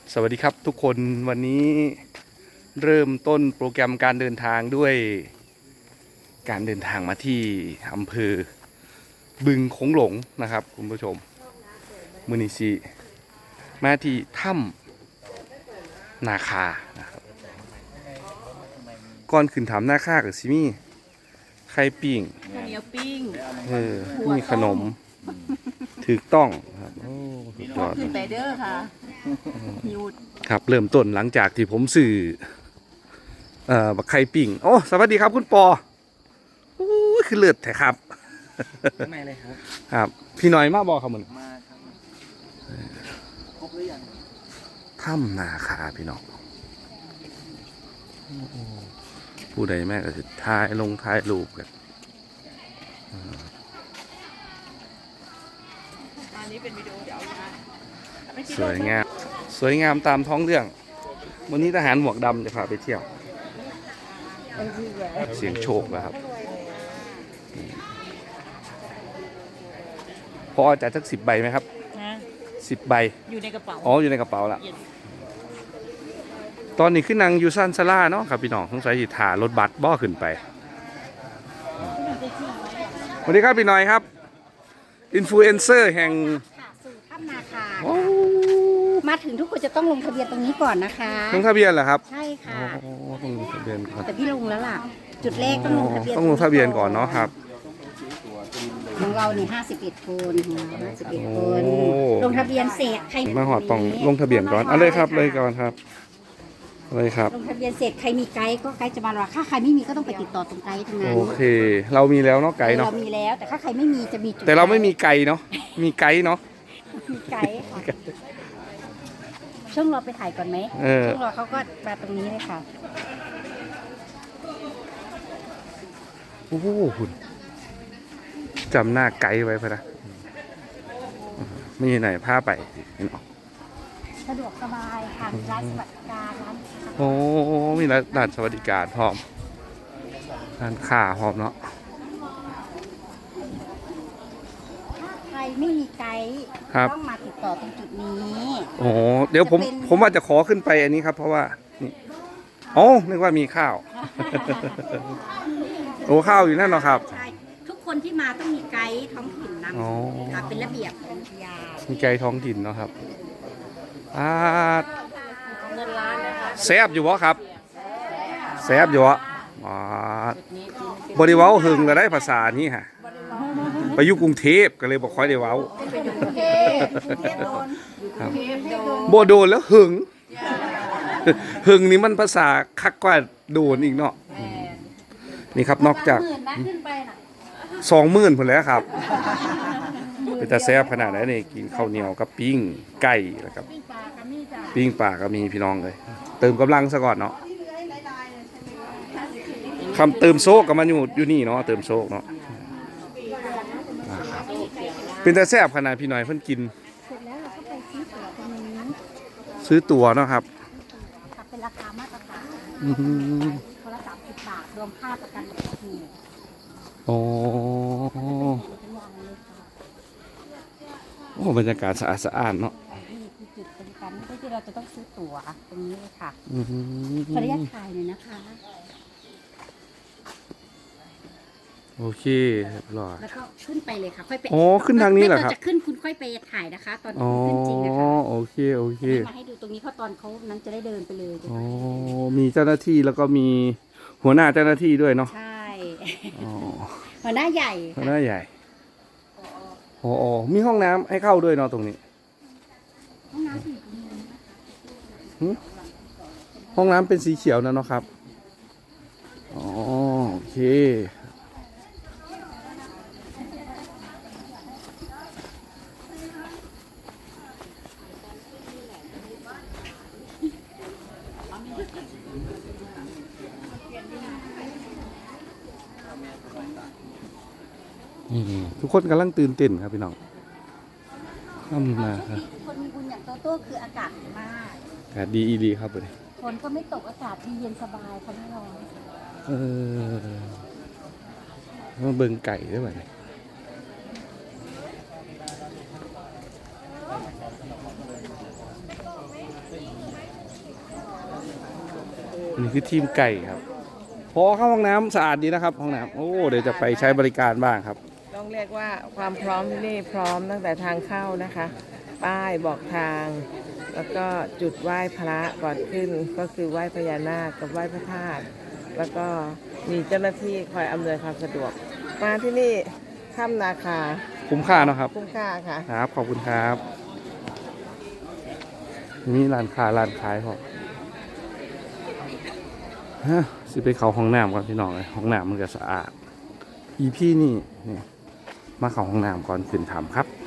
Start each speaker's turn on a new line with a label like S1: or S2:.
S1: สวัสดีครับทุกคนวันนี้เริ่มต้นโปรแกรมการเดินทางด้วยการเดินทางมาที่อำเภอบึงโขงหลงนะครับคุณผู้ชมมือนิชิมาที่ถ้ำนาคานะครับก่อนขึ้นถ้ำนาคากับซิมี่ไข่ปิ้ง
S2: ข้าวเหนียวปิ้ง
S1: มีขนมถูกต้องครับโอ้สุดยอด
S2: ขึ้นไปเด้อค่ะหยุด
S1: ครับเริ่มต้นหลังจากที่ผมสื่อบักไข่ปิ้งโอ้สวัสดีครับคุณปอโอ้ยคือเลือดแท้ครับ
S3: ไม่เลยครับ
S1: ครับพี่น้อยมาบอกครับมึง
S3: มาครับครบหรือยัง
S1: ถ้ำนาคาพี่น้องผู้ใดแม่ก็จะถ่ายรูปกัน
S2: อันนี้เป็นวิดีโอเดี๋ยว
S1: สวยงามสวยงามตามท้องเรื่องวันนี้ทหารหมวกดำจะพาไปเที่ยวเสียงโชคนะครับพอจะสัก10 ใบไหมครับ10 ใบ
S2: อยู่ในกระเป๋า
S1: อ๋ออยู่ในกระเป๋าละตอนนี้ขึ้นนางยูซันซาร่าเนาะครับพี่น้องสงสัยถ่ารถบัสบ่อขึ้นไปสวัสดีครับพี่น้อยครับอินฟลูเอนเซอร์แห่ง
S4: สู่ถ้ำนาคามาถึงทุกคนจะต้องลงทะเบียนตรงนี้ก่อนนะคะ
S1: ลงทะเบียนเหรอครับ
S4: ใช่ค่ะ
S1: ต้องลงทะเบียนก่อน
S4: แต่พี่ลงแล้วล่ะจุดแรกต้องลงทะเบียน
S1: ต้องลงทะเบียนก่อนเนาะครับ
S4: ของเรานี่51 คน51 คนลงทะเบียนเสร็จใคร
S1: มาหอดต้องลงทะเบียนก่อนเอาเลยครับเลยก่อนครับเลยครับ
S4: ลงทะเบียนเสร็จใครมีไกด์ก็ไกด์จะมาราถ้าใครไม่มีก็ต้องไปติดต่อตรงไกด์ทั้งนั้น
S1: โอเคเรามีแล้วเนาะไกด์เนาะ
S4: เรามีแล้วแต่ถ้าใครไม่มีจะมีจุด
S1: แต่เราไม่มีไกด์เนาะมีไกด์เนาะ
S4: มีไกด์ค่ะช่วงรอไปถ่ายก่อนไหมช่วงรอเขาก็มาตรงนี้เลยค่ะ
S1: โอ้โหคุณจำหน้าไกด์ไว้พะนะไม่ไหนพาไปเนาะ
S4: สะดวกสบายค่ะมีร้านสวัสดิการร้าน
S1: โอ้มีร้านสวัสดิการพร้อมร้านค้าพร้อมเนาะ
S4: ถ้าใครไม่มีไกด์ต้องมาติดต่อตรงจุดนี้
S1: โอ้เดี๋ยวผมว่าจะขอขึ้นไปอันนี้ครับเพราะว่านี่อ๋อนึกว่ามีข้าวโอ้ข้าวอยู่นั่นเนาะครับ
S4: ใช่ทุกคนที่มาต้องมีไกด์ท้องถิ่นนำค่ะเป็นระเบียบของอุทยาน
S1: มีไกด์ท้องถิ่นเนาะครับ
S4: เงินล้านนะคะ
S1: แซบอยู่วะครับแซบอยู่วะบริวารหึงก็ได้ภาษานี้ฮะไปอยู่กรุงเทพก็เลยบอกค่อยได้เว้าโบโดนแล้วหึงหึงนี่มันภาษาคักกว่าโดนอีกเนาะนี่ครับนอกจาก20,000 ผลแล้วครับเป็นตาแซ่บขนาดไหนนี่กินข้าวเหนียวกับปิ้งไก่แล้วครับปิ้งปลาก็มีพี่น้องเลยเติมกำลังซะก่อนเนาะคำเติมโซกกับมันอยู่นี่เนาะเติมโซกเนาะเป็นตาแซ่บขนาดพี่น้อยเพิ่นกิน
S4: เสร็จแล้วเราก็ไปซื้อตั๋วตรงนี้
S1: ซื้อตั๋วเนาะครับ
S4: เป็นราคามาตรฐานคนละ30 บาทรวมค่าประกันอุบัติเหตุ
S1: โอ้บรรยากาศสะอาดสะอาดเนาะ
S4: นี่คือจุดบริการที่เราจะต้องซื้อตั๋วตรงนี้เลยค่ะขออนุญาตถ่ายหน่อยนะคะ
S1: โอเคเรียบร้อย
S4: แล้วก็ขึ้นไปเลยค่ะค่อยไป
S1: อ๋อขึ้นทางนี้เหรอครับ
S4: จะขึ้นคุณค่อยไปถ่ายนะคะตอนขึ้นจริงนะคะ
S1: โอเค
S4: มาให้ดูตรงนี้เพราะตอนเขานั้นจะได้เดินไปเลย
S1: อ๋อมีเจ้าหน้าที่แล้วก็มีหัวหน้าเจ้าหน้าที่ด้วยเนาะ
S4: ใช่หัวหน้าใหญ่
S1: หัวหน้าใหญ่อ๋อมีห้องน้ำให้เข้าด้วยเนาะตรงนี้
S4: ห้องน้ำสี
S1: ห้องน้ำเป็นสีเขียวนะเนาะครับอ๋อโอเคทุกคนกำลังตื่นเต้นครับพี่น้อง
S4: คนมีบุญอย่างโตโต้คืออากาศดีมาก
S1: อากาศดีดีครับเลย
S4: ฝนก็ไม่ตกอากาศดีเย็นสบายเขาไม่ร้อน
S1: มาเบิ่งไก่ด้วยไหมนี่คือทีมไก่ครับพอเข้าห้องน้ำสะอาดดีนะครับห้องน้ำโอ้เดี๋ยวจะไปใช้บริการบ้างครับ
S5: ต้องเรียกว่าความพร้อมที่นี่พร้อมตั้งแต่ทางเข้านะคะ ป้ายบอกทาง แล้วก็จุดไหว้พระก่อนขึ้นก็คือไหว้พญานาคกับไหว้พระธาตุแล้วก็มีเจ้าหน้าที่คอยอำนวยความสะดวก มาที่นี่ถ้ำนาคา
S1: คุ้มค่าเนอะครับ
S5: คุ้มค่าค่ะ
S1: ครับ ขอบคุณครับนี่ร้านค้าร้านขายพอฮะสิไปเขาห้องน้ำก่อนพี่น้องเลยห้องน้ำมันก็สะอาด อีพี่นี่มาเข้าห้องน้ำก่อนขึ้นถ้ำครับ